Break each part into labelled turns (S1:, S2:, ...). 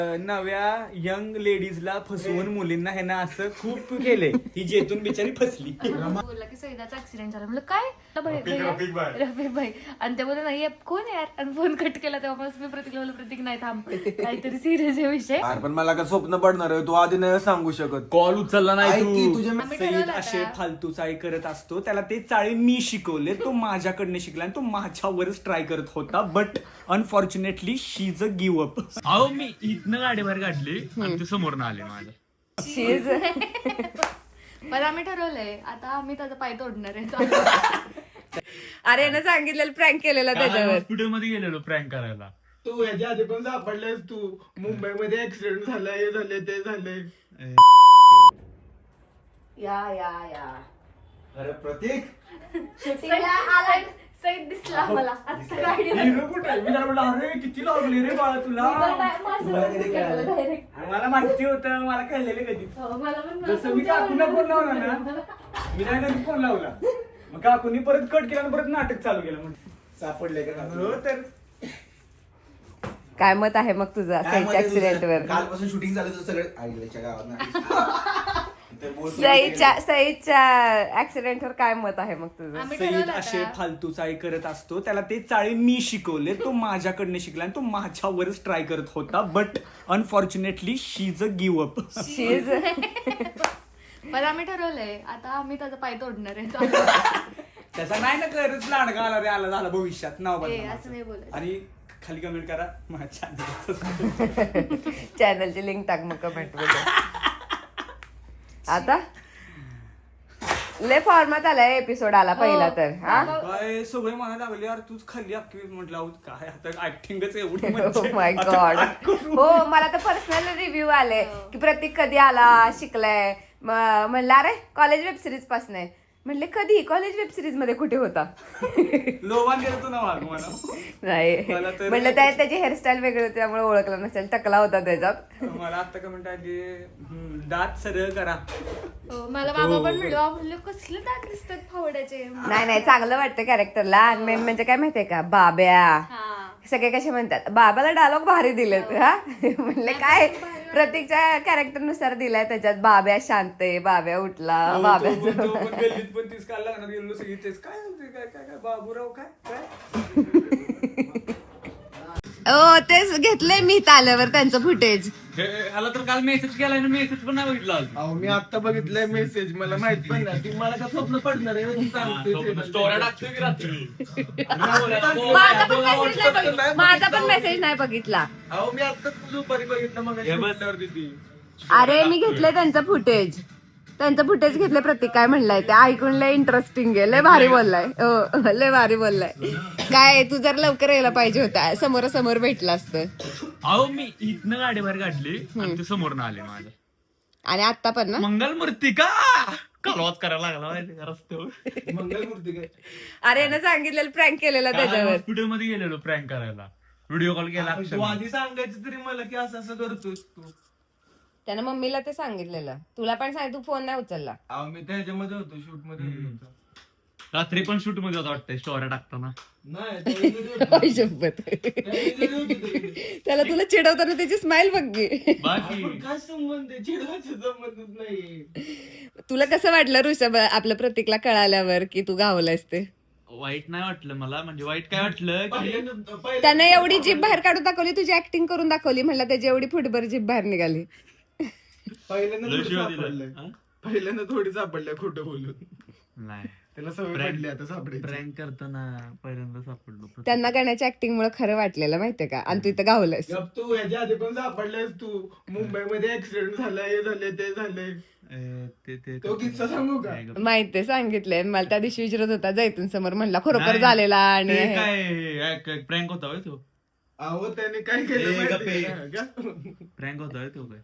S1: नव्या यंग लेडीजला फसवून मुलींना ह्यानं असं खूप केलंय. ही जेतून बिचारी फसली.
S2: बोलला की सईदाचा ऍक्सिडेंट झाला. म्हणलं काय रफिक भाई आणि ते बोलले नाही कोण आहे यार आणि फोन कट केला तेव्हापासून मी प्रतीकला बोललो प्रतीक नाही थांब काहीतरी सिरियस आहे विषय.
S3: पण मला काय स्वप्न पडणार आहे तू आधी नाही सांगू शकत.
S1: कॉल उचलला नाही तू.
S2: आम्ही
S1: सईद
S2: ठरवलं
S1: असे
S2: आता.
S1: फालतू चाळी करत असतो. त्याला ते चाळी मी शिकवले. तो माझ्याकडनं शिकला आणि तो माझ्यावरच ट्राय करत होता. But unfortunately she is a give up.
S4: अहो मी इथनं गाडी बाहेर काढली आणि ते समोरनं आले माझ्या.
S2: पण आम्ही ठरवलंय आता आम्ही त्याचा पाय तोडणार आहे.
S5: अरे ना सांगितलेलं प्रँक केलेला त्याच्यावर.
S4: हॉस्पिटल मध्ये गेलेलो प्रँक करायला.
S3: तू ह्याच्या आधी पण सापडलेस. तू मुंबईमध्ये ऍक्सिडेंट झाला हे झाले ते झाले.
S5: या
S3: अरे प्रतीक
S2: सईद दिसला मला आता गाडी
S1: हिरो कुठे आहे? मी त्याला म्हटलं अरे किती लागले रे बाळा तुला. मला माहिती होतं. मला कळलेलं कधी जसं मी काकूला फोन लावला ना मी नाही कधी फोन लावला मग काकूनी परत कट केला आणि परत नाटक चालू केलं म्हणजे
S3: सापडले का
S1: हो तर
S5: काय मत आहे मग तुझं सईच्या ऍक्सिडेंट वर?
S3: कालपासून शूटिंग झालं तर सगळं आईच्या गावात
S5: सईच्या ऍक्सिडेंट वर काय मत आहे मग तुझं?
S2: आम्ही
S1: सईद
S2: ठरवलं
S1: असे
S2: आता.
S1: फालतू चाळी करत असतो. त्याला ते चाळी मी शिकवले. तो माझ्याकडनं शिकला आणि तो माझ्यावरच ट्राय करत होता. But unfortunately she is a give up.
S5: She's
S2: पण आम्ही ठरवलंय आता आम्ही त्याचा पाय तोडणार आहे.
S1: त्याचा नाही ना करत लाडका आला रे आला झाला भविष्यात नाव
S2: ए,
S1: बदला
S2: असं नाही बोलायचं.
S1: आणि खाली कमेंट करा माझ्या channel.
S5: चॅनलची लिंक टाक मग कमेंट मध्ये. आता लय फॉर्मात आलाय एपिसोड आला पहिला तर हा.
S1: काय सगळे म्हणायला लागले यार तूच खाली अख्खी म्हटलं अहो, काय आता ऍक्टिंगच एवढी
S5: ओ
S1: म्हणजे.
S5: माय
S1: आता
S5: गॉड.
S1: काय करू?
S5: हो मला तर पर्सनल रिव्ह्यू आले की प्रतीक कधी आला शिकलाय. म्हणलं अरे कॉलेज वेब सिरीज पासून आहे. म्हणले कधी कॉलेज वेब सिरीज मध्ये कुठे होता?
S1: लोबान गेलो तू ना वाघ मला.
S5: नाही
S1: मला तर-
S5: म्हणलं त्याची हेअरस्टाईल वेगळी होती त्यामुळे ओळखलं नसेल. टकला होता त्याच्यात.
S1: मला आता कमेंट आली दात सरळ करा.
S2: हो, मला बाबा पण म्हणलं कसले दात दिसतात फावड्याचे.
S5: नाही चांगलं वाटतं कॅरेक्टरला. आणि मेन म्हणजे काय माहितीये का बाब्या
S2: हा
S5: सगळे कसे म्हणतात बाबाला डायलॉग भारी दिलेत हा. म्हणले काय प्रत्येकच्या कॅरेक्टर नुसार दिलाय त्याच्यात. बाब्या शांत आहे बाब्या उठला बाब्या
S1: तो पण गल्लीत पण तीच काल लागणार गेलो सगळी तेच काय म्हणते काय काय काय बाबूराव काय काय.
S5: हो तेच घेतलंय मी इथं आल्यावर त्यांचं फुटेज.
S4: आला तर काल मेसेज केलाय ना मेसेज पण नाही बघितला अजून.
S3: अहो मी आता बघितलंय मेसेज. मला माहित पण नाही ती मला का स्वप्न पडणार आहे तू सांगते.
S4: स्टोऱ्या टाकतोय की रात्री.
S5: माझा पण मेसेज नाही बघितला.
S3: अहो मी आता दुपारी बघितलं मग ती.
S5: अरे मी घेतलंय त्यांचं फुटेज. त्यांचं फुटेज घेतलं. प्रतीक काय म्हणलाय ते ऐकून लय इंटरेस्टिंग आहे. लय भारी बोललाय. हो लय भारी बोललाय. काय तू जर लवकर यायला पाहिजे होता. समोरासमोर भेटलं असतं.
S4: अहो मी इथनं गाडी बाहेर काढली आणि ते समोरनं आले माझ्या.
S5: आणि आता पण ना
S4: मंगलमूर्ती का कालवाच करायला लागला माहिती का रस्त्यावर.
S3: मंगलमूर्ती काय
S5: अरे ना सांगितलेलं प्रँक केलेला त्याच्यावर.
S4: हॉस्पिटल मध्ये गेलेलो प्रँक करायला. व्हिडिओ कॉल केला
S3: तू
S4: अक्षरशः.
S3: आधी सांगायचं तरी मला की असं असं करतोस तू.
S5: त्यानं मम्मीला ते सांगितलेलं. तुला पण सांग तू फोन नाही उचलला.
S3: अहो मी त्याच्यामध्ये होतो शूट मध्ये होतो.
S4: रात्री पण शूट मध्ये होता वाटतंय स्टोऱ्या टाकताना.
S3: नाही त्याच्यामध्ये होतो.
S5: आई शपथ.
S3: त्याच्यामध्ये होतो ते.
S5: त्याला तुला चिडवताना त्याची स्माइल बघ की.
S4: बाकी
S3: आपण काय संबंध आहे? चिडवायचा संबंधच नाही.
S5: तुला कसं वाटलं ऋषभ आपल्या प्रतीकला कळाल्यावर की तू गावलायस ते?
S4: वाईट नाही वाटलं मला. म्हणजे वाईट काय वाटलं की
S3: पहिल्यांदा
S5: त्यानं एवढी जीभ बाहेर काढून दाखवली. तुझी ऍक्टिंग करून दाखवली. म्हणलं त्याची एवढी फुटभर जीभ बाहेर निघाली.
S3: पहिल्यांदा
S4: लय
S3: थोडी
S4: शिव्या
S3: सापडलंय.
S4: दिल्या. हा?
S3: पहिल्यांदा थोडी सापडल्या खोटं बोलून.
S4: नाही
S3: त्याला सवय
S4: Prank-
S3: पडली आता सापडायची.
S4: प्रँक करताना पहिल्यांदा सापडलो.
S5: त्यांना करण्याच्या ऍक्टिंग मुळे खरं वाटलेलं माहितीये का. आणि तू इथं गावलंयस.
S3: गप तू ह्याच्या आधी पण सापडलेस. तू मुंबईमध्ये ऍक्सिडेंट झाला हे झाले ते झाले. तो किस्सा सांगू का?
S5: माहितीये सांगितलंय. मला त्या दिवशी विचारत होता जैतून समोर. म्हणला खरोखर
S4: नाही,
S5: झालेला आणि
S4: ते
S5: हे.
S4: काय प्रँक होता होय तो.
S3: अहो त्याने काय केलं माहितीये का?
S4: प्रँक होता होय तो काय.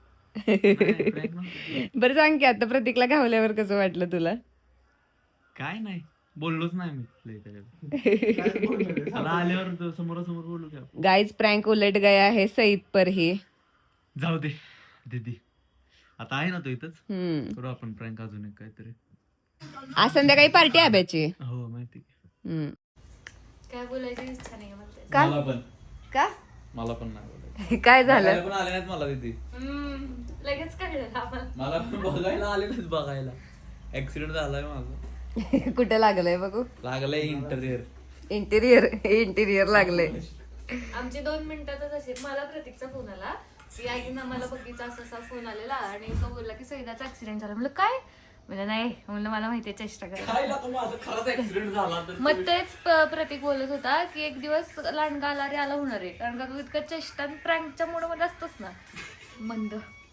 S4: prank नव्हता.
S5: बरं सांग की आता प्रतीकला गावल्यावर कसं वाटलं तुला?
S4: काय नाही बोललोच नाही मी लय त्याच्यात.
S3: काय बोलणार आहे?
S4: त्याला आल्यावर तो समोरासमोर बोलू का.
S5: गाईज प्रँक उलट गया है सईद पर ही.
S4: जाऊ दे दीदी. आता आहे ना तो इथंच.
S5: हम्म.
S4: करू आपण प्रँक अजून एक काहीतरी.
S5: आज संध्याकाळी पार्टी आब्याची.
S4: हो माहिती.
S5: हम्म.
S2: काय बोलायची इच्छा नाही मला.
S5: का
S4: मला पण
S5: का
S4: मला पण नाही बोलायचं.
S5: काय झालं?
S6: पण आले नाहीत मला तिथे.
S2: लगेच कळलं आम्हाला.
S6: मला पण बघायला आले नाहीत बघायला. ऍक्सिडेंट झालाय माझा.
S5: कुठे लागलंय बघू?
S6: लागलंय इंटरियर.
S5: इंटिरियर लागलंय.
S2: आमची 2 मिनिटातच असे मला प्रतीकचा फोन आला की आईनं मला बघीचा असा फोन आलेला आणि तो बोलला की सैदाचा ऍक्सिडेंट झाला. म्हणलं काय? म्हणलं नाही. म्हणलं मला माहितीये चेष्टा करा.
S6: माझा खरंच ऍक्सिडेंट झाला तर
S2: मग तेच प्रतीक बोलत होता की एक दिवस लांडगा आला रे आला होणार आहे कारण का तू इतकं चेष्टा प्रँकच्या मूड मध्ये असतोस ना. मंद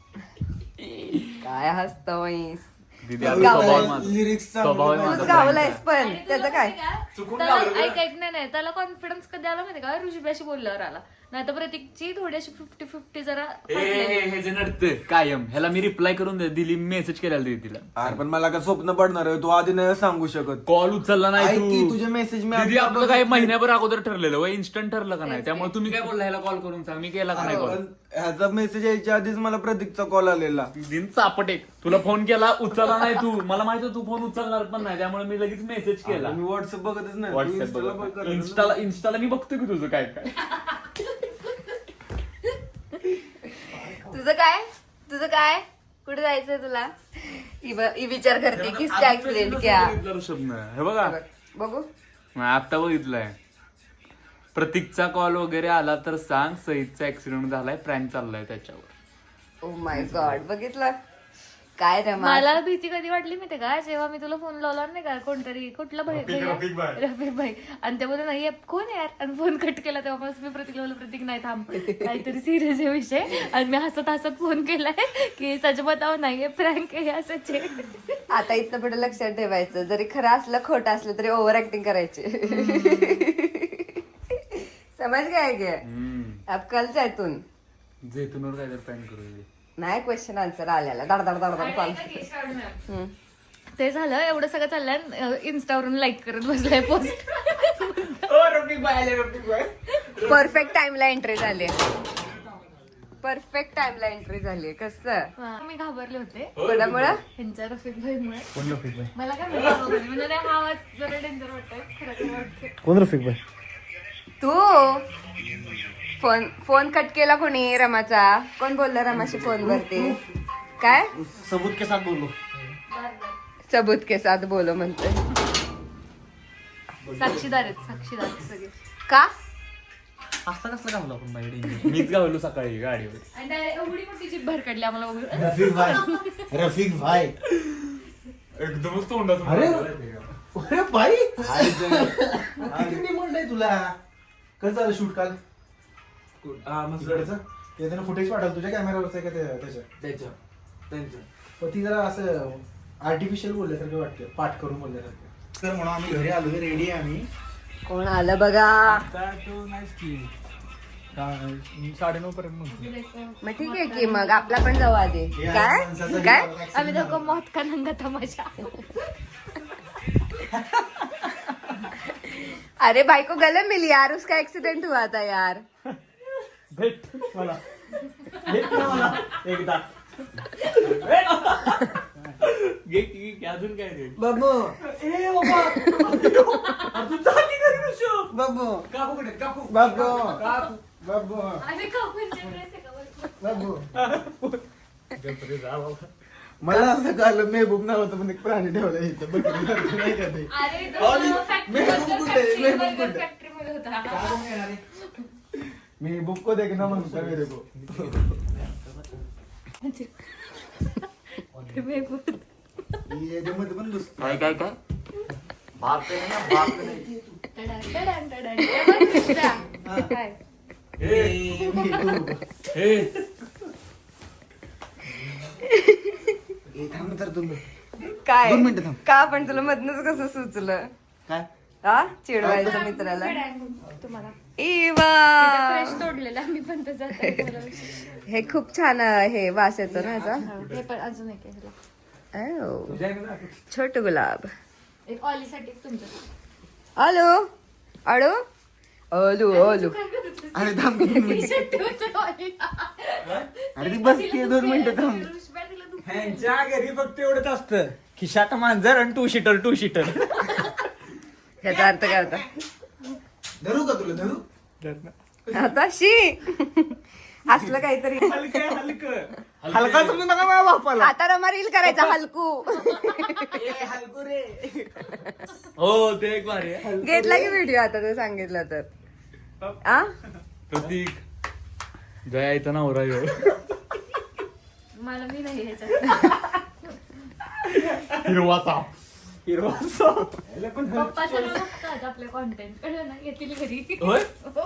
S5: काय हसतो
S4: दीदी आता स्वभाव माझा.
S3: लिरिक्स
S4: स्वभाव आहे माझा.
S5: गावलायस पण
S2: आणि तुला
S5: त्याचं काय?
S2: माहिती का? त्याला ऐक नाही त्याला कॉन्फिडन्स कधी आला माहिती का? ऋषीबाशी बोलल्यावर आला. नाही तर प्रतीकची थोडीशी 50-50 जरा
S4: हे जे नडतं कायम ह्याला मी रिप्लाय करून दिली मेसेज केलेला तिला.
S3: अरे पण मला काय स्वप्न पडणार आहे, तू आधी नाही सांगू शकत.
S4: कॉल उचलला नाही
S3: ऐक की,
S4: तू.
S3: तुझे मेसेज मी
S4: दीदी
S3: आता
S4: आपलं काही महिन्याभर अगोदर ठरलेलं व इन्स्टंट ठरलं का नाही त्यामुळे तुम्ही काय बोलला ह्याला कॉल करून सांग मी केला का नाही कॉल.
S3: पण ह्याचा मेसेज यायच्या आधीच मला प्रतीकचा कॉल आलेला.
S4: दिन चापट एक तुला फोन केला उचलला नाही तू मला माहित तू फोन उचलणार पण नाही त्यामुळे मी लगेच मेसेज केला.
S3: मी व्हॉट्सअप बघतच नाही. तू
S4: व्हॉट्सअप
S3: Insta ला बघ करत
S4: इन्स्टाला मी बघतोय की तुझं काय काय.
S5: तुझं काय कुठे जायचंय तुला? ही विचार करते किसका ऍक्सिडेंट क्या?
S4: हे बघा
S5: बघू.
S4: आता बघितलंय प्रतीकचा कॉल वगैरे आला तर सांग सईदचा ऍक्सिडेंट झालाय प्रँक चाललाय त्याच्यावर.
S5: ओ माय गॉड बघितलं काय रमा?
S2: मला भीती कधी वाटली माहिती का? जेव्हा मी तुला फोन लावला नाही का कोणतरी कुठला रफिक भाई आणि ते बोलले नाही कोण यार आणि फोन कट केला तेव्हापासून मी प्रतीकला बोलले प्रतीक नाही थांब काहीतरी सिरियस आहे विषय आणि मी हसत फोन केलाय की सच बताव नाहीये प्रँक आहे असंच आहे.
S5: आता इथनं पुढे लक्षात ठेवायचं जरी खरं असलं खोटं असलं तरी ओव्हर ऍक्टिंग करायची. समज काय गे अब कल जायतून
S4: जैतूनवर काहीतरी प्रँक करू.
S5: नाही क्वेश्चन आन्सर आलेला धड धड धड धड चालू.
S2: ते झालं एवढं सगळं चाललंय इन्स्टावरून लाईक करत बसलाय पोस्ट.
S5: परफेक्ट टाइमला एंट्री झाली. परफेक्ट टाइमला एंट्री झाली. कसं
S2: मी घाबरले होते
S5: कोणामुळं?
S2: ह्यांच्या रफिक भाईमुळे. मला काय म्हणजे नाही हा आवाज जरा डेंजर वाटतोय खरं वाटतंय.
S3: कोण रफिक भाई?
S5: तू फोन कट केला कोणी रमाचा? कोण बोलला रमाशी फोन वरती? काय
S3: सबूत के साथ बोलो.
S5: सबूत के साथ बोलो म्हणतोय.
S2: साक्षीदार सगळे
S5: का
S4: असं कसं घालू आपण बाहेर? मीच गावलो सकाळी गाडीवर
S2: आणि एवढी मोठी जीभ भर काढली आम्हाला बघून.
S3: रफिक भाई
S4: एकदमच तोंडाचं.
S3: अरे भाई किती म्हणलंय तुला? कसं झालं शूट काल? ते त्यानं फुटेज पाठवलं तुझ्या कॅमेरावरच आहे का त्यांच्या पण ती जरा असं आर्टिफिशियल बोलल्यासारखं वाटतं, पाठ करून बोलल्यासारखं. तर म्हणून आम्ही घरी आलो, रेडी आहे आम्ही.
S5: कोण आलं बघा.
S1: 9:30 पर्यंत.
S5: मग ठीक आहे की मग आपला पण जाऊ आधी. काय काय
S2: आम्ही दोघं मौत का नंगा तमाशा.
S5: अरे भाई को गले मिली यार, उसका एक्सीडेंट हुआ था यार.
S1: भेट मला एकदा.
S4: अजून काय रे
S3: बाबू बाबू बाबू बाबू
S2: आणि काकूंचे dress आहे का बघ.
S3: बाबू मला असं कळलं मेहबूब नाव होतं पण एक प्राणी ठेवला इथं बकरी नाही का ते.
S2: अरे तो
S3: मेहबूब कुठे?
S2: फॅक्टरीमध्ये होता.
S3: मेहबूब को देखना म्हणता मेरे को. याच्यामध्ये पण दुसरं
S4: काय काय काय बाप नाही.
S2: टडान, टडान. हे बघ दुसरा. काय?
S3: थांब तर तुम्ही
S5: काय
S3: 2 मिनिटं थांब.
S5: का पण तुला मधनच कसं सुचलं?
S3: काय
S5: हा चिडवायचं मित्राला.
S2: तुम्हाला
S5: इवा
S2: फ्रेश तोडलेला मी पण त्याचा
S5: हे खूप छान हे वास येतो ना याचा.
S2: हे पण अजून एक आहे.
S5: Oh. छोटू गुलाब.
S2: एक ऑलीसाठी तुमचं.
S5: हॅलो अडो अलू अलू.
S3: अरे थांब 2 मिनिटं. अरे ती बसते 2 मिनिटं थांब.
S1: ह्यांच्या घरी फक्त एवढंच असतं खिशात मांजर आणि 2 सीटर.
S5: ह्याचा अर्थ काय होता?
S3: धरू का तुला धरू?
S5: आता शी असलं काहीतरी
S1: हलकं हलकं हलका समजू नका माझ्या बापाला.
S5: आता रमा रील करायचा हलकू
S6: हो ते एक भारी आहे.
S5: घेतला की व्हिडिओ आता तू सांगितलं तर आ
S4: प्रतीक जयाचा नवरा ह्यो.
S2: मला मी नाही ह्याच्यात.
S4: हिरवाचा
S1: हिरवा पण
S2: पप्पा सगळं बघतात आपले कॉन्टेंट कळलं ना येतील घरी.
S6: होय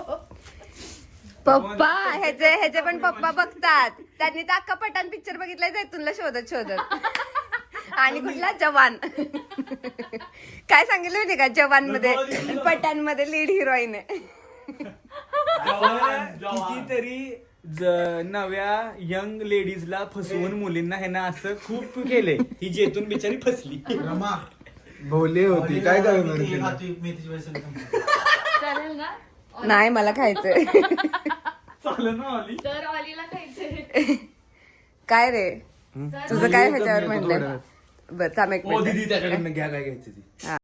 S5: पप्पा ह्याचे पण पप्पा बघतात. त्यांनी तर अख्खा पठाण पिक्चर बघितलाय जैतूनला शोधत आणि कुठला जवान काय सांगितलं माहिती का जवान मध्ये पठाण मध्ये लीड हिरोईन आहे.
S1: कितीतरी नव्या यंग लेडीजला फसवून मुलींना ह्यानं असं खूप केलंय. ही जेतून बिचारी फसली.
S3: रमा
S1: भोले होती काय करणार
S3: मेथीची
S1: तिला?
S3: भाजी, मेथीची भाजी
S2: चालेल ना
S5: नाही मला खायचंय.
S1: चालेल ना ऑली?
S2: तर ऑलीला खायचंय.
S5: काय रे तुझं काय ह्याच्यावर म्हणलंय? बरं थांब एक
S6: हो
S5: मिनिट
S6: दीदी त्याच्याकडनं घ्या काय घ्यायचं ती.
S5: हा